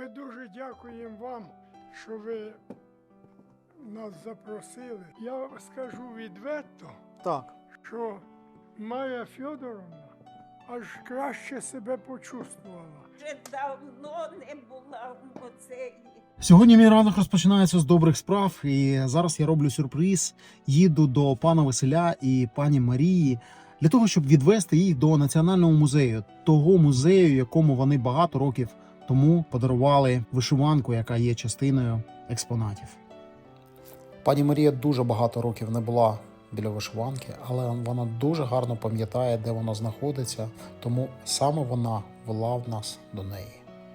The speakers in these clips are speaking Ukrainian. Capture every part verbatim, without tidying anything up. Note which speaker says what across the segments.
Speaker 1: Ми дуже дякуємо вам, що ви нас запросили. Я скажу відверто,
Speaker 2: Так.
Speaker 1: що Майя Федоровна аж краще себе почувствувала.
Speaker 3: Вже давно не була в музеї.
Speaker 2: Сьогодні мій ранок розпочинається з добрих справ, і зараз я роблю сюрприз. Їду до пана Василя і пані Марії для того, щоб відвести їх до Національного музею, того музею, якому вони багато років тому подарували вишиванку, яка є частиною експонатів. Пані Марія дуже багато років не була біля вишиванки, але вона дуже гарно пам'ятає, де вона знаходиться, тому саме вона вела в нас до неї.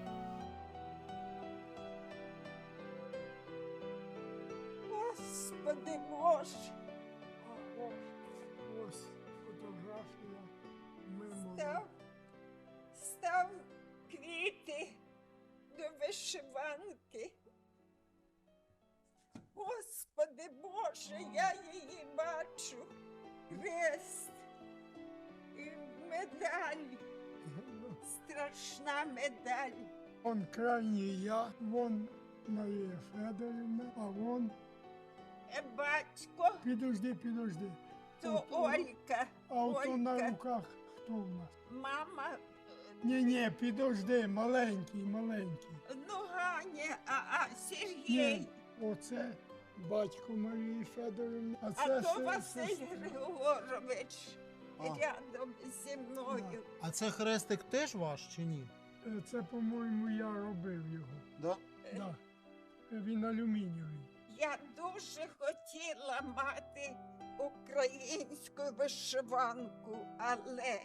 Speaker 3: Господи Боже,
Speaker 1: А ось, ось фотографія мимо.
Speaker 3: став, став квіти до вишиванки. Господи Боже, я її бачу. Хрест і медаль, страшна медаль.
Speaker 1: Вон крайній я, вон Марія Федорівна, а вон,
Speaker 3: Е, Батько,
Speaker 1: підожди, підожди.
Speaker 3: то
Speaker 1: Ото-
Speaker 3: Олька,
Speaker 1: А ото на
Speaker 3: Олька,
Speaker 1: руках хто в нас?
Speaker 3: мама,
Speaker 1: Ні-ні, підожди, маленький, маленький.
Speaker 3: ну Ганя, а, а Сергій.
Speaker 1: Ні, оце батько Марії Федорівни, а
Speaker 3: А
Speaker 1: це
Speaker 3: то
Speaker 1: се-
Speaker 3: Василь
Speaker 1: сестра.
Speaker 3: Григорович
Speaker 2: А.
Speaker 3: рядом зі мною.
Speaker 2: А це хрестик теж ваш чи ні?
Speaker 1: Е, Це, по-моєму, я робив його.
Speaker 2: Да?
Speaker 1: Да. Він алюмінієвий.
Speaker 3: Я дуже хотіла мати українську вишиванку, але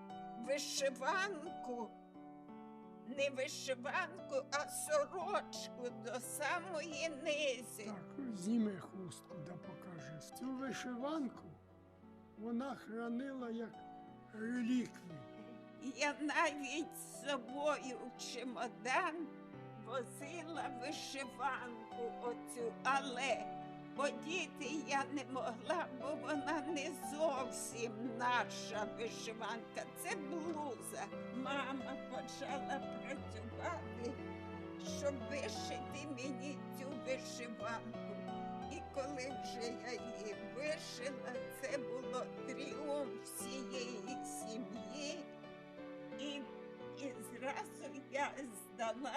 Speaker 3: вишиванку, не вишиванку, а сорочку до самої низи.
Speaker 1: Так, зніми хустку, да покажи. Цю вишиванку вона хранила як реліквію.
Speaker 3: Я навіть з собою в чемодан возила вишиванку оцю, але одіти я не могла, бо вона не зовсім наша вишиванка. Це блуза. Мама почала працювати, щоб вишити мені цю вишиванку. І коли вже я її вишила, це було тріумф всієї сім'ї. І, і зразу я здала.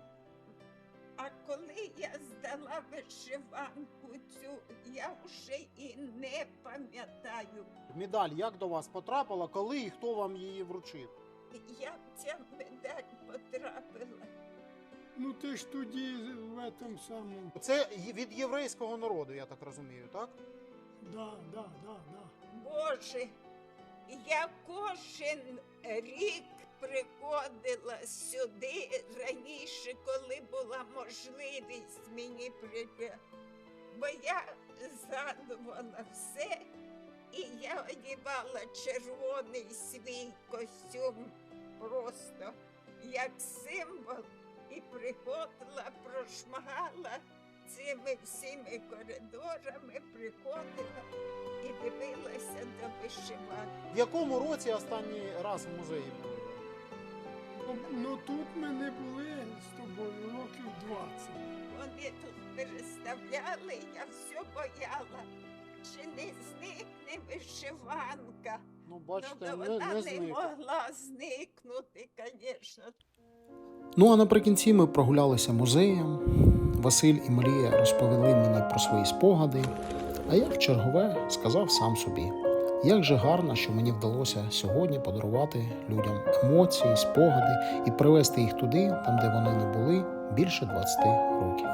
Speaker 3: А коли я здала вишиванку цю, я вже і не пам'ятаю,
Speaker 2: Медаль як до вас потрапила, коли і хто вам її вручив?
Speaker 3: як ця медаль потрапила.
Speaker 1: Ну ти ж тоді в этом самому.
Speaker 2: Це від єврейського народу, я так розумію, так?
Speaker 1: Да, да, да, да.
Speaker 3: Боже, я кожен рік приходила сюди раніше, коли була можливість мені прийти. Бо я згадувала все, і я одягала червоний свій костюм просто як символ, і приходила, прошмагала цими всіми коридорами, приходила і дивилася до вишиванки.
Speaker 2: В якому році останній раз в музеї були?
Speaker 1: Ну, ну тут ми не були з тобою років двадцять.
Speaker 3: Вони тут переставляли, я все бояла, чи не зникне вишиванка.
Speaker 2: Ну,
Speaker 3: Ну,
Speaker 2: бачите,
Speaker 3: то
Speaker 2: не,
Speaker 3: вона
Speaker 2: не
Speaker 3: не
Speaker 2: зник.
Speaker 3: могла зникнути, звісно.
Speaker 2: Ну а наприкінці ми прогулялися музеєм. Василь і Марія розповіли мені про свої спогади, а я в чергове сказав сам собі, як же гарно, що мені вдалося сьогодні подарувати людям емоції, спогади і привести їх туди, там де вони не були, більше двадцять років.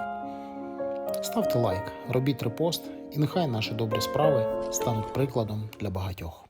Speaker 2: Ставте лайк, робіть репост, і нехай наші добрі справи стануть прикладом для багатьох.